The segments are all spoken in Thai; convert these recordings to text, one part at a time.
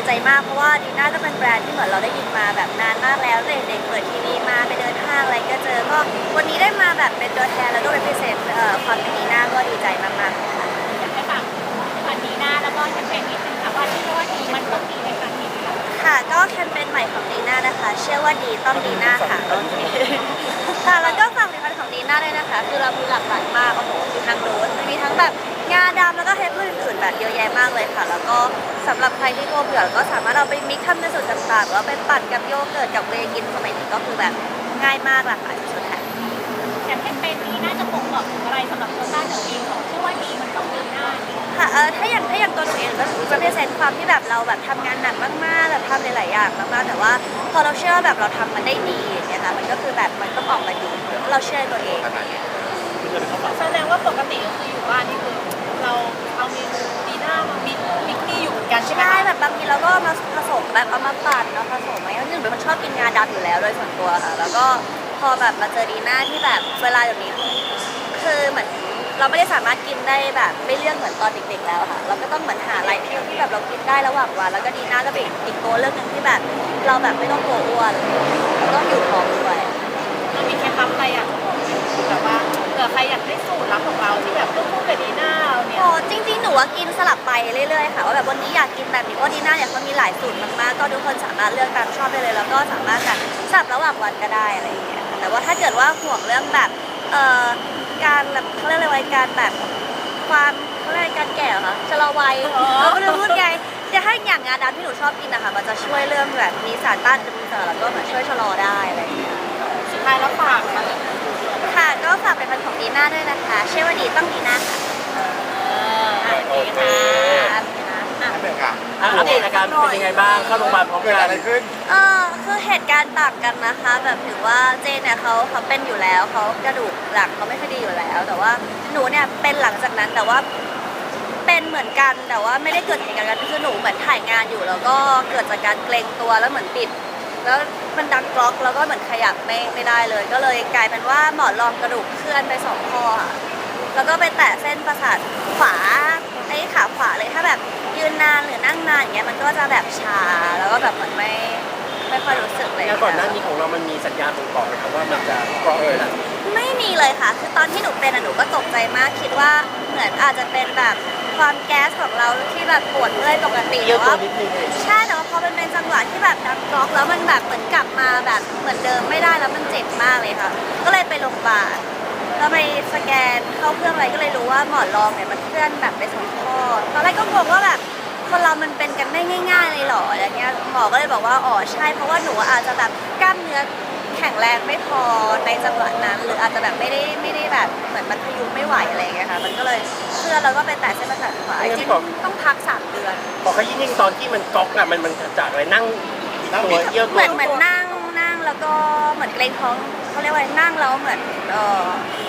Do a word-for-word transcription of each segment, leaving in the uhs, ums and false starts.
ใจมากเพราะว่าดีน่าก็เป็นแบรนด์ที่เหมือนเราได้ยินมาแบบนานมากแล้วเด็กๆเปิดทีวีมาไปเดินห้างอะไรก็เจอก็วันนี้ได้มาแบบเป็นตัวแทนแล้วก็เป็นพิเศษความเป็นดีน่าก็ดีใจมากๆค่ะอยากให้ฝากพันดีน่าแล้วก็แคมเปญนิดนึงค่ะว่าที่ว่าดีมันต้องดีในครั้งนี้ค่ะก็แคมเปญใหม่ของดีน่านะคะเชื่อว่าดีต้องดีน่าค่ะโอเคค่ะแล้วก็ฝากผลิตภัณฑ์ของดีน่าด้วยนะคะคือเรามีหลากหลายมากโอ้โหมีทั้งโรสมีทั้งแบบงาดำแล้วก็เฮปพืชอื่นๆแบบเยอะแยะมากเลยค่ะแล้วก็สำหรับใครที่กลัวเบื่อก็สามารถเอาไปมิกซ์ทำในสูตรต่างๆแล้วไปปั่นกับโยเกิร์ตกับเวย์กินสมัยนี้ก็คือแบบง่ายมากหลากหลายชุดแทนแต่แคมเปญนี้น่าจะบ่งบอกถึงอะไรสำหรับตัวต้าหนูเองเชื่อว่าดีมันต้องดีน่าค่ะเออถ้าอย่างถ้าอย่างตัวหนูเองก็จะเป็นเซนความที่แบบเราแบบทำงานหนักมากๆแบบทำหลายๆอย่างมากๆแต่ว่าพอเราเชื่อแบบเราทำมันได้ดีอย่างเงี้ยค่ะมันก็คือแบบมันต้องออกมาดีเราเชื่อตัวเองแสดงว่าปกติก็คืออยู่บ้านนี่คือเราเอาเมนูดีน่ามามิกมิกนี่อยู่เหมือนกันใช่ไหมใช่แบบบางทีเราก็มาผสมแบบเอามาปั่นเนาะผสมอะไรหนึ่งเป็นคนชอบกินงาดำอยู่แล้วโดยส่วนตัวค่ะแล้วก็พอแบบมาเจอดีน่าที่แบบเวลาแบบนี้คือเหมือนเราไม่ได้สามารถกินได้แบบไม่เลือกเหมือนตอนเด็กๆแล้วค่ะเราก็ต้องเหมือนหาอะไรที่ที่แบบเรากินได้ระหว่างวันแล้วก็ดีน่าก็เป็นอีกตัวเลือกหนึ่งที่แบบเราแบบไม่ต้องกลัวอ้วนต้องอยู่ท้องด้วยเรามีเคล็ดลับอะไรอยากจะบอกไหมแบบว่าเผื่อใครอยากได้สูตรลับของเราที่แบบต้องคู่กับดีน่าเราเนี่ยโอ้จริงๆหนูว่ากินสลับไปเรื่อยๆค่ะว่าแบบวันนี้อยากกินแบบนี้เพราะดีน่าเนี่ยเขามีหลายสูตรมากๆก็ทุกคนสามารถเลือกตามชอบได้เลยแล้วก็สามารถแบบสลับระหว่างวันก็ได้อะไรอย่างเงี้ยแต่ว่าถ้าเกิดว่าห่วงเรื่องแบบเอ่อการแบบเขาเรียกอะไรวัยการแบบความเขาเรียกการแก่เหรอชะลอวัยเราไม่รู้พูดไงจะให้อย่างงาดำที่หนูชอบกินนะคะมันจะช่วยเรื่องแบบมีสารต้านอนุมูลอิสระแล้วก็แบบช่วยชะลอได้อะไรอย่างเงี้ยสุดท้ายแล้วฝากค่ะค่ะก็ฝากเป็นพันของดีน่าด้วยนะคะเชื่อว่าดีต้องดีน่าค่ะโอเคค่ะอัปเดตค่ะอัปเดตอาการเป็นยังไงบ้างเข้าโรงพยาบาลพร้อมเกิดกันอะไรขึ้นเออคือเหตุการณ์ต่างกันนะคะแบบถือว่าเจนเนี่ยเขาเขาเป็นอยู่แล้วเขากระดูกหลังเขาไม่ค่อยดีอยู่แล้ว แต่ว่าหนูเนี่ยเป็นหลังจากนั้นแต่ว่าเป็นเหมือนกันแต่ว่าไม่ได้เกิดเหตุการณ์กันคือหนูเหมือนถ่ายงานอยู่แล้วก็เกิดจากการเกรงตัวแล้วเหมือนปิดแล้วมันดังกรอกแล้วก็เหมือนขยับไม่ไม่ได้เลย ก็เลยกลายเป็นว่าหมอนรองกระดูกเคลื่อนไปสองข้อค่ะแล้วก็ไปแตะเส้นประสาทขวาไอ้ขาขวาเลยถ้าแบบยืนนานหรือนั่งนานอย่างเงี้ยมันก็จะแบบชาแล้วก็แบบเหมือนไม่ไม่ค่อยรู้สึกเลยแล้วก่อนหน้านี้ของเรามันมีสัญญาณบ่งบอกนะครับว่ามันจะเกาะเอ่ยละไม่มีเลยค่ะคือตอนที่หนูเป็นอะหนูก็ตกใจมากคิดว่าเหมือนอาจจะเป็นแบบความแก๊สของเราที่แบบปวดเมื่อยปกติเยอะตัวแต่ว่านิดนึงใช่แต่ว่าพอเป็นเป็นจังหวะที่แบบดังกรอกแล้วมันแบบเหมือนกลับมาแบบเหมือนเดิมไม่ได้แล้วมันเจ็บมากเลยค่ะก็เลยไปโรงพยาบาลแล้วไปสแกนเข้าเครื่องอะไรก็เลยรู้ว่าหมอนรองเนี่ยมันเคลื่อนแบบไปสองข้อตอนแรกก็งงว่าแบบคนเรามันเป็นกันได้ง่ายๆเลยเหรออะไรเงี้ยหมอก็เลยบอกว่าอ๋อใช่เพราะว่าหนูอาจจะแบบกล้ามเนื้อแข็งแรงไม่พอในจังหวะนั้นหรืออาจจะแบบไม่ได้ไม่ได้แบบเหมือนมันพยุงไม่ไหวอะไรเงี้ยค่ะมันก็เลยเคลื่อนแล้วก็ไปแตะเส้นประสาทขวาจริงๆต้องพักสามเดือนพอเขายิ่งตอนที่มันก๊อกอะมันมันจากอะไรนั่งตัวเยี่ยวตัวเหมือนเหมือนนั่งนั่งแล้วก็เหมือนเกรงท้องเขาเรียกว่านั่งแล้วเหมือนเออ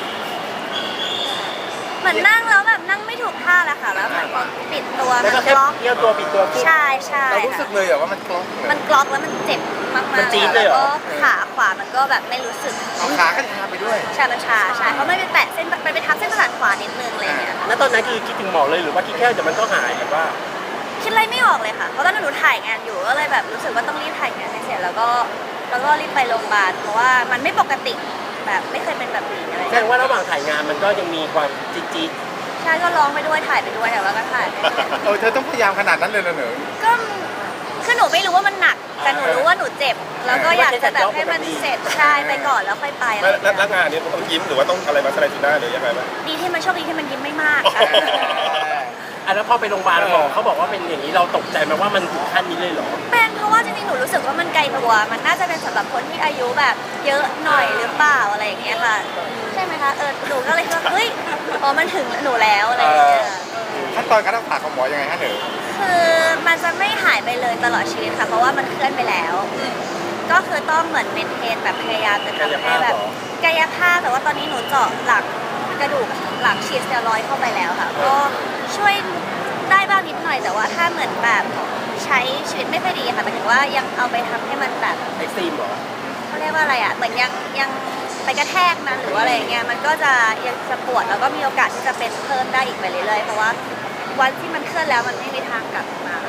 เหมือนนั่งแล้วแบบนั่งไม่ถูกท่าแหละค่ะแล้วเหมือนพอปิดตัวมันกล็อกเยี่ยวตัวปิดตัวใช่ใช่เรารู้สึกเลยเหรอว่ามันกล็อกมันกล็อกแล้วมันเจ็บมากๆแล้วก็ขาขวามันก็แบบไม่รู้สึกเอาขาก็ชาไปด้วยชามันชาใช่เพราะไม่ไปแตะเส้นไปไปทับเส้นประสาทขวานิดนึงอะไรเงี้ยแล้วตอนนั้นคือคิดถึงหมอเลยหรือว่าคิดแค่เดี๋ยวมันก็หายแบบว่าคิดอะไรไม่ออกเลยค่ะเพราะตอนนั้นหนูถ่ายงานอยู่ก็เลยแบบรู้สึกว่าต้องรีบถ่ายงานให้เสร็จแล้วก็แล้วก็รีบไปโรงพยาบาลเพราะว่ามันไม่ปกติแบบไม่เคยเป็นแบบนี้อะไรแสดงว่าระหว่างถ่ายงานมันก็ยังมีความจี๊ดจี๊ดใช่ก็ร้องไปด้วยถ่ายไปด้วยแต่ว่าก็ถ่ายเออเธอต้องพยายามขนาดนั้นเลยเหรอหนูก็คือหนูไม่รู้ว่ามันหนักแต่หนูรู้ว่าหนูเจ็บแล้วก็อยากจะแบบให้มันเสร็จใช่ไปก่อนแล้วค่อยไปอะไรแล้วแล้วงานนี้ต้องยิ้มหรือว่าต้องอะไรมาแสดงสีหน้าหรือยังไงบ้างดีที่มันโชคดีที่มันยิ้มไม่มากค่ะอ่ะแล้วพอไปโรงพยาบาลหมอเขาบอกว่าเป็นอย่างนี้เราตกใจไหมว่ามันถึงขั้นนี้เลยเหรอเป็นเพราะว่าจริงๆหนูรู้สึกว่ามันไกลตัวมันน่าจะเป็นสำหรับคนที่อายุแบบเยอะหน่อยหรือเปล่าอะไรอย่างเงี้ยค่ะใช่ไหมคะเออหนูก็เลยคิดว่าเฮ้ยอ๋อมันถึงหนูแล้วอะไรอย่างเงี้ยขั้นตอนการรักษาของหมอยังไงฮะหนูคือมันจะไม่หายไปเลยตลอดชีวิตค่ะเพราะว่ามันเคลื่อนไปแล้วก็คือต้องเหมือนเมนเทนแบบพยายามจะทำให้แบบกายภาพแต่ว่าตอนนี้หนูเจาะหลังกระดูกหลังฉีดสเตียรอยด์เข้าไปแล้วค่ะก็ช่วยได้บ้างนิดหน่อยแต่ว่าถ้าเหมือนแบบใช้ชีวิตไม่ค่อยดีค่ะหมายถึงว่ายังเอาไปทำให้มันแบบเอ็กซ์ตรีมหรอเขาเรียกว่าอะไรอ่ะเหมือนยังยังไปกระแทกนั้นหรือว่าอะไรเงี้ยมันก็จะยังจะปวดแล้วก็มีโอกาสที่จะเป็นเพิ่มได้อีกไปเรื่อยๆเพราะว่าวันที่มันเคลื่อนแล้วมันไม่มีทางกลับมา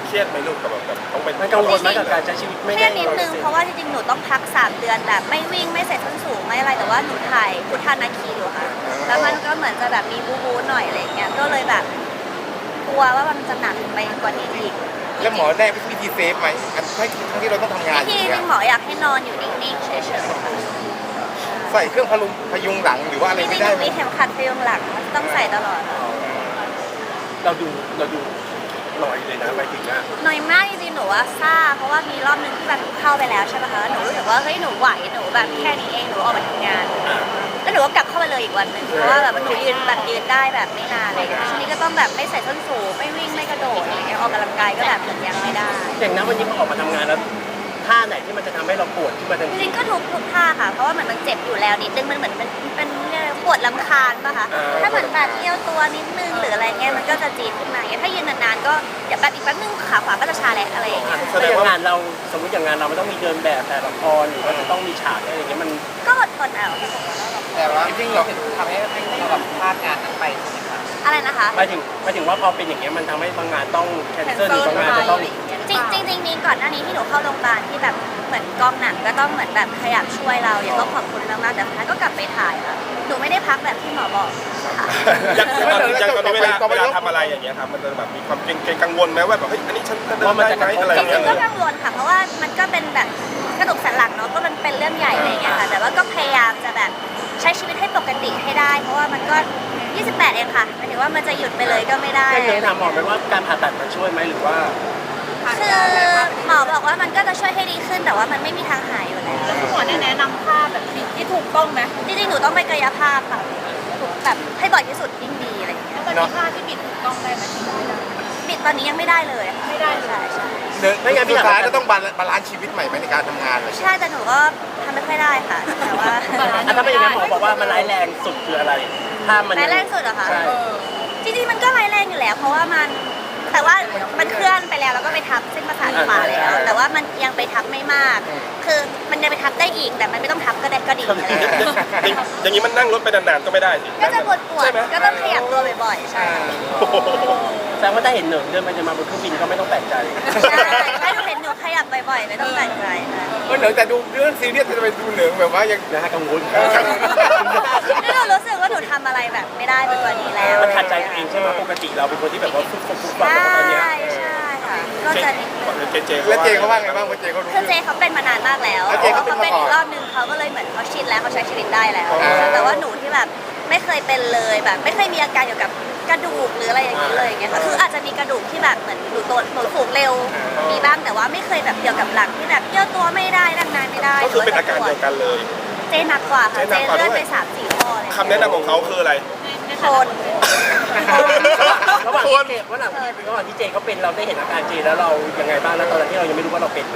เครียดไหมลูกกับแบบแบบต้องไปมันกังวลไหมกับการใช้ชีวิตไม่เครีได้ยดนิดนึงเพราะว่าจริงๆ หนูต้องพักสามเดือนแบบไม่วิ่งไม่ใส่ส้นสูงไม่อะไรแต่ว่าหนูถ่ายพุทธานาคีอยู่ค่ะ แล้วมันก็เหมือนจะแบบมีบูบูหน่อยอะไรอย่างเงี้ย ก็เลยแบบกลัวว่ามันจะหนักไปกว่านี้อีกแล้วหมอแนะวิธีเซฟไหมอันทั้งทั้งที่เราต้องทำงานวิอธียู่หนึเนี่ยงหมออยากให้นอนอยู่นิ่งๆเฉยๆค่ะใส่เครื่องพลุงพยุงหลังหรือว่าอะไรจริไม่งๆได้หนูไหมมีเข็มขัดพยุงหลังต้องใส่ตลอดค่ะเราดูเราดูหน่อยเลยนะไปถึงอ่ะหน่อยมากจริงๆ หนูว่าซ่าเพราะว่ามีรอบนึงที่แบบหนูเข้าไปแล้วใช่ไหมคะหนูรู้สึกว่าเฮ้ยหนูไหวหนูแบบแค่นี้เองหนูออกมาทำงาน แล้วหนูก็กลับเข้าไปเลยอีกวันหนึ่งเพราะว่าแบบหนูยืนแบบยืนได้แบบไม่นานอะไรอย่างเลยช่วงนี้ก็ต้องแบบไม่ใส่ส้นสูงไม่วิ่งไม่กระโดดอะไรอย่างเงี้ยออกกำลังกายก็แบบเหมือนยังไม่ได้อย่างนั้นวันนี้พอออกมาทำงานแล้วท่าไหนที่มันจะทำให้เราปวดขึ้นมาทันจทีริงๆก็ทุกทุกท่าค่ะเพราะว่าเหมือนมันเจ็บอยู่แล้วนิดนึงมันเหมือนเป็นเป็นเรียกอะไรปวดลำคาญป่ะคะถ้าเหมือนแบบเอี้ยวตัวนิดนึงหรืออะไรเงี้ยมันก็จะจี๊ดขึ้นมาอย่างเงี้ยถ้ายืนนานๆก็เดี๋ยวแบบอีกแป๊บนึงขาขวาก็จะชาแหละอะไรอย่างเงี้ยแสดงว่างานเราสมมติอย่างงานเรามันต้องมีเดินแบบแต่ละครหรือว่าจะต้องมีฉากอะไรอย่างเงี้ยมันก็อดทนเอาแต่ว่าจริงๆเหรอทำให้เราแบบพลาดงานนั้นไปใช่ไหมคะอะไรนะคะหมายถึงหมายถึงว่าพอเป็นอย่างเงี้ยมันทำให้บางงานต้องแคนเซิลหรือบางงานจะต้องจริงจริงจริงๆมีก่อนหน้านี้ที่หนูเข้าโรงพยาบาลที่แบบเหมือนกองหนังก็ต้องเหมือนแบบขยับช่วยเราอย่างก็ขอบคุณมากๆแต่สุดท้ายก็กลับไปถ่ายค่ะหนูไม่ได้พักแบบที่หมอบอกค่ะยังตอนยังตอนนี้เวลาเวลาทำอะไรอย่างเงี้ยครับมันจะแบบมีความเกรงเกรงกังวลไหมว่าแบบเฮ้ยอันนี้ฉันจะเดินได้ไหมอะไรอจย่างริเงี้งยๆก็กังวลค่ะเพราะว่ามันก็เป็นแบบกระดูกสันหลังเนาะก็มันเป็นเรื่องใหญ่อะไรอย่างเงี้ยค่ะแต่ว่าก็พยายามจะแบบใช้ชีวิตให้ปกติให้ได้ เพราะว่ามันก็ยี่สิบแปดเองค่ะหมายถึงว่ามันจะหยุดไปเลยก็ไม่ได้เคยถามหมอไหมว่าการผ่าตัดมันช่วยไหมหรือว่าคือหมอบอกว่ามันก็จะช่วยให้ดีขึ้นแต่ว่ามันไม่มีทางหายอยู่แล้วแล้วคุณหมอแนะนำท่าแบบที่ถูกต้องไหมจริงๆหนูต้องไปกายภาพค่ะแบบให้บ่อยที่สุดยิ่งดีอะไรอย่างเงี้ยตอนนี้ท่าที่บิดถูกต้องได้ไหมบิดตอนนี้ยังไม่ได้เลยค่ะไม่ได้ใช่ใช่เดินไม่งั้นสุดท้ายก็ต้องบาลบาลานซ์ชีวิตใหม่ไหมในการทำงานเลยใช่แต่หนูก็ทำไม่ค่อยได้ค่ะแต่ว่าอ่ะถ้าเป็นอย่างนั้นหมอบอกว่ามันร้ายแรงสุดคืออะไร ถ้ามันร้ายแรงสุดเหรอคะใช่จริงๆมันก็ร้ายแรงอยู่แล้ว เพราะว่ามันแต่ว่ามันเคลื่อนไปแล้วแล้วก็ไปทับเส้นประสาทขวาแล้ว แต่ว่ามันยังไปทับไม่มาก คือมันยังไปทับได้อีกแต่มันไม่ต้องทับก็ได้ก็ดีอะไรอย่างเงี้ยอย่างนี้มันนั่งรถไปนานๆก็ไม่ได้สิก็จะปวดปวดๆก็ต้องขยับตัวบ่อยๆใช่แสดงว่าถ้าเห็นเหนิงเดินไปเดินมาบนเครื่องบินก็ไม่ต้องแปลกใจใช่ถ้าหนูเห็นหนูขยับบ่อยๆไม่ต้องแปลกใจค่ะก็เหนือแต่ดูเรื่องซีเรียสจะไปดูเหนือแบบว่ายังนะฮะกังวลนี่หนูรู้สึกว่าหนูทำอะไรแบบไม่ได้ไปกว่านี้แล้วมันขัดใจตัวเองใช่ไหมปกติเราเป็นคนที่แบบว่าฟุบฟุบฟุบฟับใช่แต่ว่าตอนเนี้ยใช่ค่ะก็จะนิดนึงเจเจแล้วเจเขาว่าไงบ้างเพราะเจเขารู้คือเจเขาเป็นมานานมากแล้วแล้วเจเขาเขาเป็นมาก่อนเป็นอีกรอบนึงเขาก็เลยเหมือนเขาชินแล้วเขาใช้ชีวิตได้แล้วอ่าแต่ว่าหนูที่แบบไม่เคยเป็นเลยแบบ ไม่เคยมีอาการเกี่ยวกับกระดูกหรืออะไรอย่างนี้เลยอย่างเงี้ยค่ะคืออาจจะมีกระดูกที่แบบเหมือนหนูโตหนูสูงเร็วมีบ้างแต่ว่าไม่เคยแบบเกี่ยวกับหลังที่แบบเยี่ยวตัวไม่ได้นั่งนานไม่ได้ก็คือเป็นอาการเดียวกันเลยเจหนักกว่าค่ะเจเจหนักกว่าเลื่อนด้วยไปสามสี่ข้อเลยคำแนะนำของเขาคืออะไรทนระหว่างที่เจระหว่างที่ระหว่างที่เจเขาเป็นเราได้เห็นอาการเจแล้วเรายังไงบ้างแล้วตอนนั้นที่เรายังไม่รู้ว่าเราเป็น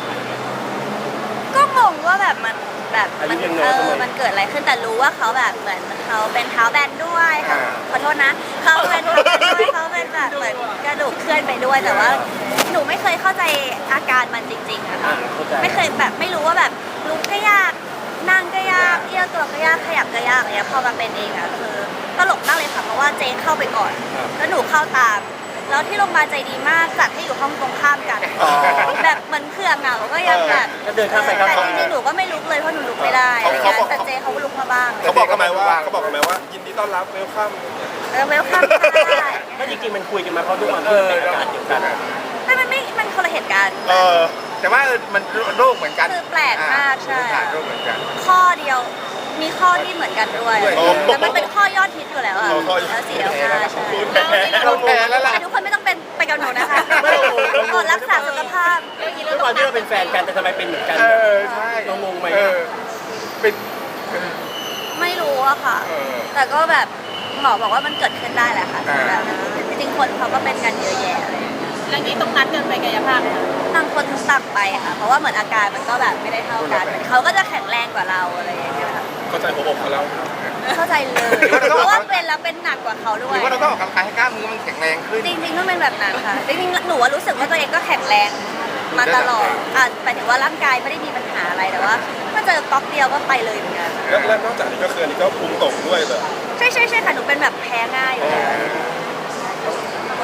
ก็งงว่าแบบมันแบบอายุมันยังน้เออยอทำไมมันเกิดอะไรขึ้นแต่รู้ว่าเขาแบบเหมือนเขาเป็นเท้าแบนด้วยค่ะขอโทษนะเขาเป็นเท้าแบนด้วยเขาเป็นแบบเหมือนกระดูกเคลื่อนไปด้วยแต่ว่า หนูไม่เคยเข้าใจอาการมันจริงๆอะอ่าค่ะเข้าใจไม่เคยแบบไม่รู้ว่าแบบลุกก็ยากนั่งก็ยากเอี้ยวตัวก็ยากขยับก็ยากอะไรเงี้ยพอมาเป็นเองอะคือตลกมากเลยค่ะเพราะว่าเจนเข้าไปก่อน แล้วหนูเข้าตาม แล้วที่โรงพยาบาลใจดีมากจัดให้อยู่ห้องตรงข้ามกันอ๋อแบบเหมือนเพื่อนเหงาก็ยังแบบก็เดินข้ามไปข้ามแต่มาจริงๆหนูก็ไม่ลุกเลยเพราะหนูลุกไม่ได้อะไรเงี้ยแต่เจเขาลุกมาบ้างเขาบอกกันไหมว่าเขาบอกกันไหมว่ายินดีต้อนรับเวลคัมเออเวลคัมได้ก็จริงๆมันคุยกันมาเพราะทุกวันที่เป็นอาการเดียวกันไม่มันไม่มันคนละเหตุการณ์เออแต่ว่าเออมันโรคเหมือนกันคือแปลกมากใช่อ่าโรคเหมือนกันข้อเดียวมีข้อที่เหมือนกันด้วยด้วยแต่มันเป็นข้อยอดฮิตอยู่แล้วอะอ๋อข้อยอดแล้วสี่แล้วห้าใช่คุณแพ้เราแพ้แล้วล่ะแต่ทุกคนไม่ต้องเป็นไปกับหนูนะคะไม่เรางงเรางงกดรักษาสุขภาพทุกวันที่เราเป็นแฟนกันแต่ทำไมเป็นเหมือนกันเออใช่เรางงไหมเออเป็นไม่รู้อะค่ะเออแต่ก็แบบหมอบอกว่ามันเกิดขึ้นได้แหละค่ะอ่าแบบจริงๆคนเขาก็เป็นกันเยอะแยะอะไรอย่างเลยแล้วนี้ต้องนัดกันไปกายภาพไหมคะต่างคนต่างไปค่ะ เพราะว่าเหมือนอาการมันก็แบบไม่ได้เท่ากันเขาก็จะแข็งแรงกว่าเราอะไรอย่างเงี้ยค่ะเข้าใจหัวอกเขาแล้วเข้าใจเลย เพราะว่าเป็นแล้วเป็นหนักกว่าเขาด้หวรืยอว่าเราต้องออกกำลังกายให้กล้ามเนื้อมันแข็งแรงขึ้นจริงๆต้องเป็นแบบนั้นค่ะ จริงๆหนูว่ารู้สึกว่าตัวเองก็แข็งแรงมาตลอดอ่ะหมายถึงว่าร่างกายไม่ได้มีปัญหาอะไรแต่ว่าถ้าเจอก๊อกเดียวก็ไปเลยเหมือนกันแล้วแล้วนอกจากนี้ก็คืออันนี้ก็ภูมิตกด้วยเลยใช่ใช่ใช่ค่ะหนูเป็นแบบแพ้ง่ายอยู่แล้วเ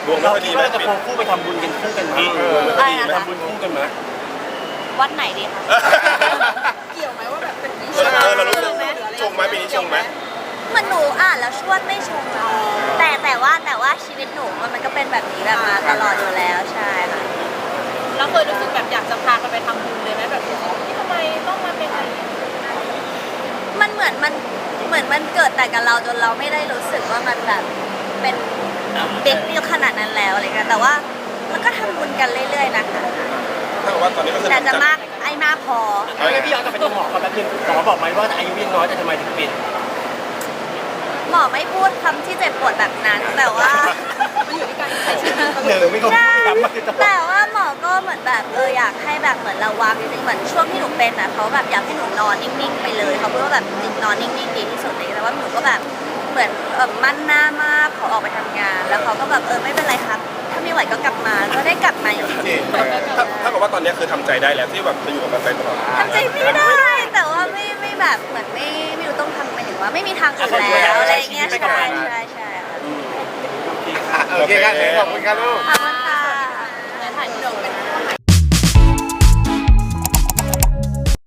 ดวงไม่เราค่อยคิดีดไหมว่าเราจะควงคู่ไปทำบุญกันคู่กันไหมอืมเออไม่ค่อยดีไหมทำบุญคู่กันไหมวัดไหนดีคะเกี่ยวไหมว่าแบบเป็นปีเออเออเรารู้สึกชงไหมปีนี้ชงไหมเหมันหนูอ่านแล้วชวดไม่ชงอะแต่แต่ว่าแต่ว่าชีวิตหนูมันมันก็เป็นแบบนี้แบบมาตลอดอยู่แล้วใช่ค่ะเราเคยรู้สึกแบบอยากจะพากันไปทำบุญเลยไหมแบบที่ทำไมต้องมาเป็นอะไรอย่างเงี้ยมันเหมือนมันเหมือนมันเกิดแต่กับเราจนเราไม่ได้รู้สึกว่ามันแบบเป็นบิ๊กดีลขนาดนั้นแล้วอะไรเงี้ยแต่ว่ามันก็ทำบุญกันเรื่อยๆนะคะถ้ากับว่าตอนนี้ก็คือแต่จะมากไอ้มากพอเอางี้พี่ย้อนกลับไปที่หมอก่อนแป๊บนึงหมอบอกไหมว่าอายุยังน้อยแต่ทำไมถึงเป็นหมอไม่พูดคำที่เจ็บปวดแบบนั้น แต่ว่ามันอยู่ที่การใช้ชีวิตเหนึ่งไม่ก็ใช่ย้ำมาคือตลอดแต่ว่าหมอก็เหมือนแบบเอออยากให้แบบเหมือนระวังนิดนึงเหมือนช่วงที่หนูเป็นอ่ะเขาแบบอยากให้หนูนอนนิ่งๆไปเลยเขาพูดว่าแบบนอนนิ่งๆดีที่สุดเลยแต่ว่าหนูก็แบบเหมือนเออมั่นหน้ามากขอออกไปทำงาน แล้วเขาก็แบบเออไม่เป็นไรครับ ถ้าไม่ไหวก็กลับมาก็ได้กลับมาอยู่ดีจริงถ้าถ้ากับว่าตอนนี้คือทำใจได้แล้วที่แบบจะอยู่กับมันไปตลอดทำใจไม่ได้ แต่ว่าไม่ไม่แบบเหมือนไม่ไม่รู้ต้องทำหมายถึงว่าไม่มีทางอื่นแล้วอะไรอย่างเงี้ยใช่ใช่ใช่ค่ะอ่ะโอเคกันขอบคุณครับลูกขอบคุณ